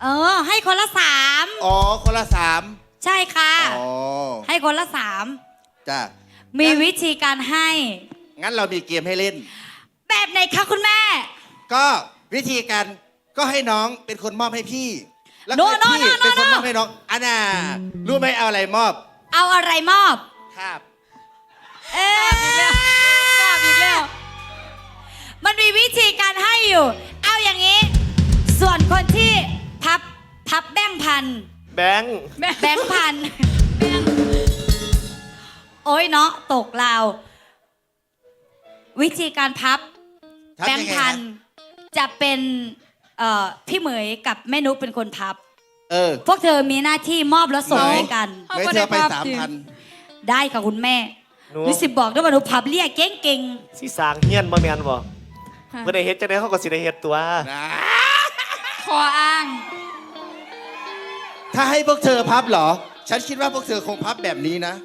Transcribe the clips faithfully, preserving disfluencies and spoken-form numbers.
เออให้คนละสามอ๋อคนละสามใช่ค่ะอ๋อให้คนละสามจ้ามีวิธีการให้งั้นเรามีเกมให้เล่นแบบไหนคะคุณแม่ก็วิธีการก็ให้น้องเป็นคนมอบให้พี่แล้วโน่ก็โน่พี่โน่เป็นคนโน่มอบให้น้องอันน่ะรู้ไหมเอาอะไรมอบเอาอะไรมอบครับเอ๊ะอีกแล้วกล้าอีกแล้วมันมีวิธีการให้อยู่ เอาอย่างนี้ ส่วนคนที่พับพับแบงค์พันแบงค์แบงค์พันโอ้ยเนาะตกลาววิธีการพับทับแบยัง งค์ไงพันนะจะเป็นเอ่อพี่เหมยกับแม่นุ๊กเป็นคนพับเออพวกเธอมีหน้าที่มอบแล้วส่งเหมยให้กันไม่เธอไปสามพันได้ค่ะคุณแม่หนูหนูสิบอกด้วยว่าหนูพับเรียกเก่งสิสร้างเฮียนบ่แม่นบ่เมื่อได้เฮ็ดจังได๋เขาก็สิได้เฮ็ดตัวนะๆขออ้างถ้าให้พวกเธอพับเหรอ ฉันคิดว่าพวกเธอคงพับแบบนี้นะ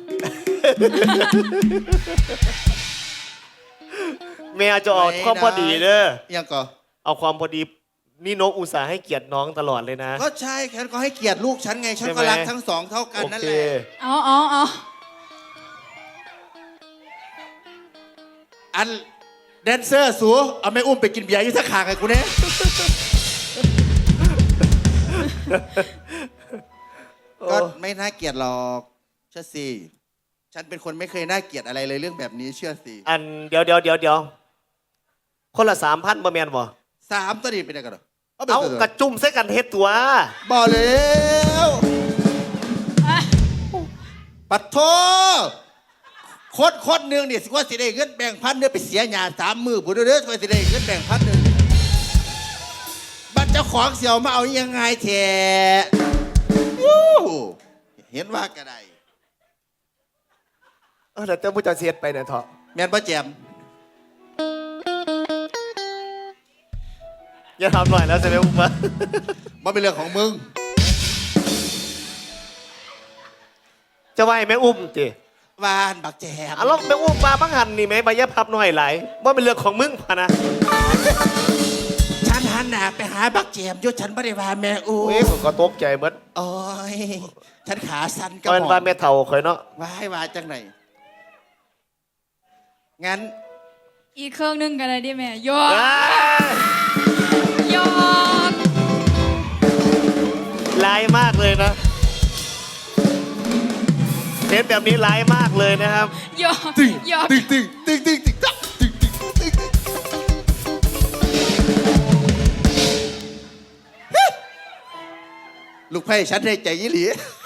แม่จะเอาความพอดีเด้อยังก็เอาความพอดีนี่นกอุตส่าห์ให้เกียรติน้องตลอดเลยนะก็ใช่ฉันก็ให้เกียรติลูกฉันไง ฉันก็ใช่ไหมรักทั้งสองเท่ากันโอนั่นเคแหละเอาเอาเอาอันแดนเซอร์สูเอาไม่อุ้มไปกินเบียร์อยุ่สักขางไงกูเนี่ยก็ไม่น่าเกลียดหรอกเชื่อสิฉันเป็นคนไม่เคยน่าเกลียดอะไรเลยเรื่องแบบนี้เชื่อสิอันเดี๋ยวเดี๋ยวเดี๋ยวเดี๋ยวคนละสามพันบ่แม่นบ่สามตัวนี้เป็นยังไงกันเหรอเอาไปเอาเถอะกระจุ่มใส่กันเฮ็ดตัวบอกแล้วปัดโทโคตรโคตรหนึ่งเนี่ยสิว่าสิได้เงินแบ่งพันเนี่ยไปเสียหยาสามมือบุญเด้อสิว่าสิได้เงินแบ่งพันหนึ่งบัตรเจ้าของเสียวมาเอายังไงแท้ยู้เห็นว่ากระไดเออแล้วเจ้าผู้จัดเสียดไปเนี่ยเถาะแม่นป้าแจมอย่าทำหน่อยแล้วใช่ไหมอุ้มวะมันเป็นเรื่องของมึงจะไหวแม่อุ้มจิวานบักแจมอ่ะแล้วแม่อุ้มมาบังหันนี่ไหมใบยะพับหน่อยไหลว่าเป็นเรื่องของมึงพะนะฉันหันหน้าไปหาบักแจมอยุฉันไม่ได้ว่าแม่อูโอ้ยผมก็ตกใจเหมือนโอ้ยฉันขาสั่นกระก็เป็นหม่ว่าอมแม่เฒ่าข่อยเนาะว่าให้ว่าจังไหนงั้นอีกเครื่องหนึงกันเลยดิแม่ยอเอ้กยยอกร้ายมากเลยนะเทปแบบนี้ร้ายมากเลยนะครับยอกตึงยอกตึงตึงตึงตึงตึงตึงตึงตึงตึงตึงลูกไพ่ฉันได้ใจยี่หลี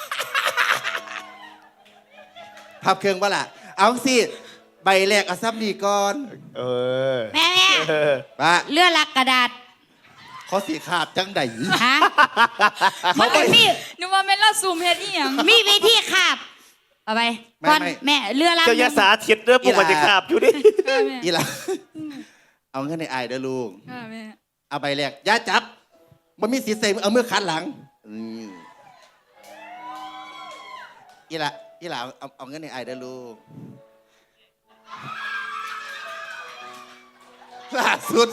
พับเครื่องปะล่ะเอาสิใบแรกเอาซับนี่ก่อนเออแม่แม่เออปะเลื่อนลักกระดาษเขาสีขาบจังไดฮะมันเป็นมีนึกว่าแม่นเล่าซูมเฮ็ดอีหยังมีวิธีขับเอาไปก่อนแม่เลื่อนลักเจ้ายาสาธิตเรื่องปกติขาบอยู่ดิค่ะแม่อีหล่ะเอาเงินในไอายเด้อลูกค่ะแม่เอาใบแรกอย่าจับมันมีสีใส่เอามือคันหลังอืมอีหล่ะอีหล่ะเอาเอาเงินในไอายเด้อลูกล่าสุด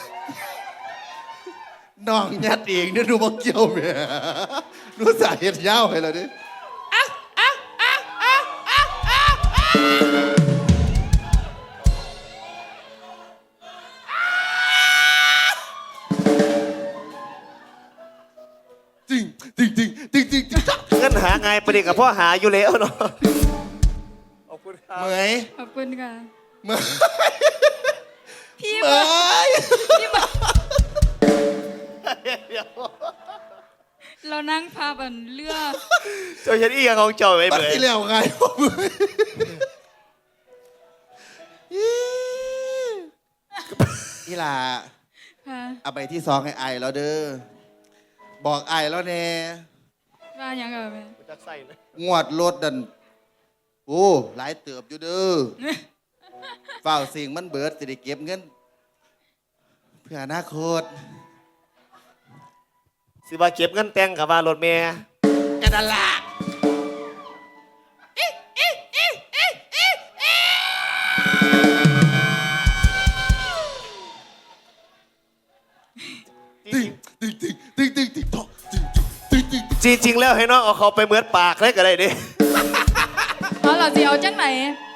น้องยัดเองเนี่ยดูบ่เกี่ยวแม่ดูสาเหตุยาวให้เราดิจริงจริงจริงจริงจริงจริงเงินหาไงประเด็นกับพ่อหาอยู่แล้วเนาะขอบคุณครับเหมยขอบคุณค่ะเหมยพี่เหมมาย พี่มาเรานั่งพาบันเรือเจ้าฉันอีกอย่างของเจ้าไว้มันเหมือนที่แล้วไงพ่อเหมยอีหล่าค่ะเอาไปที่ซองให้ไอแล้วเด้อบอกไอแล้วแน่ว่าหยังกับแม่จักใส่นะงวดรถดันโอ้หลายเติบอยู่เด้อเฝ้าสิ่งมันเบิดสิได้เก็บเงินเพื่ออนาคตสิว่าเก็บเงินแต่งกับว่ารถเมย์กันนั่นล่ะติ๊งติ๊งติ๊งติ๊งติ๊งติ๊งติ๊งจริง ๆ แล้วให้น้องเอาเขาไปเหมือนปากเลยก็ได้ดิเอาเราสิเอาจังไหน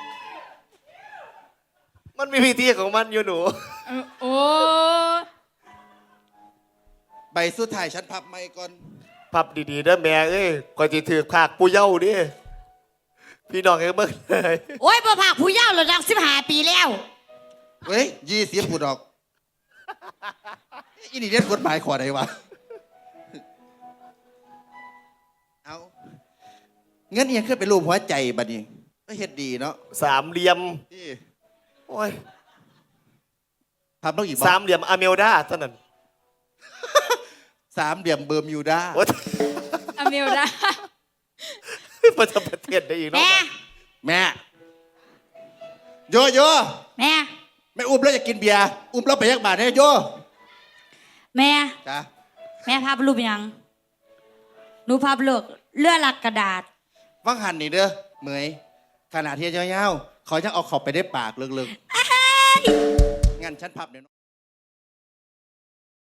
มันมีวิธีของมันอยู่หนูเออโอ้ใบสุดท้ายฉันพับไม่ก่อนพับดีๆเด้อแม่เอ้ยก่อนจะถือขากปูเย้าดิพี่น้องเอ้ยเบิ่งเลยโอ้ยบ่ภาคผู้เยาว์ระดับสิบห้าปีแล้วเฮ้ยยี่สิบกูดอกอินี่เรียนกฎหมายขอใดวะเอาเงินเอียงขึ้นเป็นรูปหัวใจบัดนี้ก็เฮ็ดดีเนาะสามเหลี่ยมนี่โอ้ยพับต้องอีกบ่สามเหลี่ยมอเมลดาเท่านั้นสามเหลี่ยมเบอร์มิวดาโอ้ยอเมลดาประจำประเทศได้อีกเนาะแม่แม่โยโยแม่แม่อุ้มแล้วจะกินเบียร์อุ้มแล้วไปยักบาทเนี่ยโยแม่จ้ะแม่ภาพรูปยังหนูภาพเลือกเลือดลักกระดาษฟังหันนี่เด้อเหมยขนาดที่เจ้าเย้าเขาจะเอาเขาไปได้ปากเลิกๆงั้นฉันพับเดี๋ยว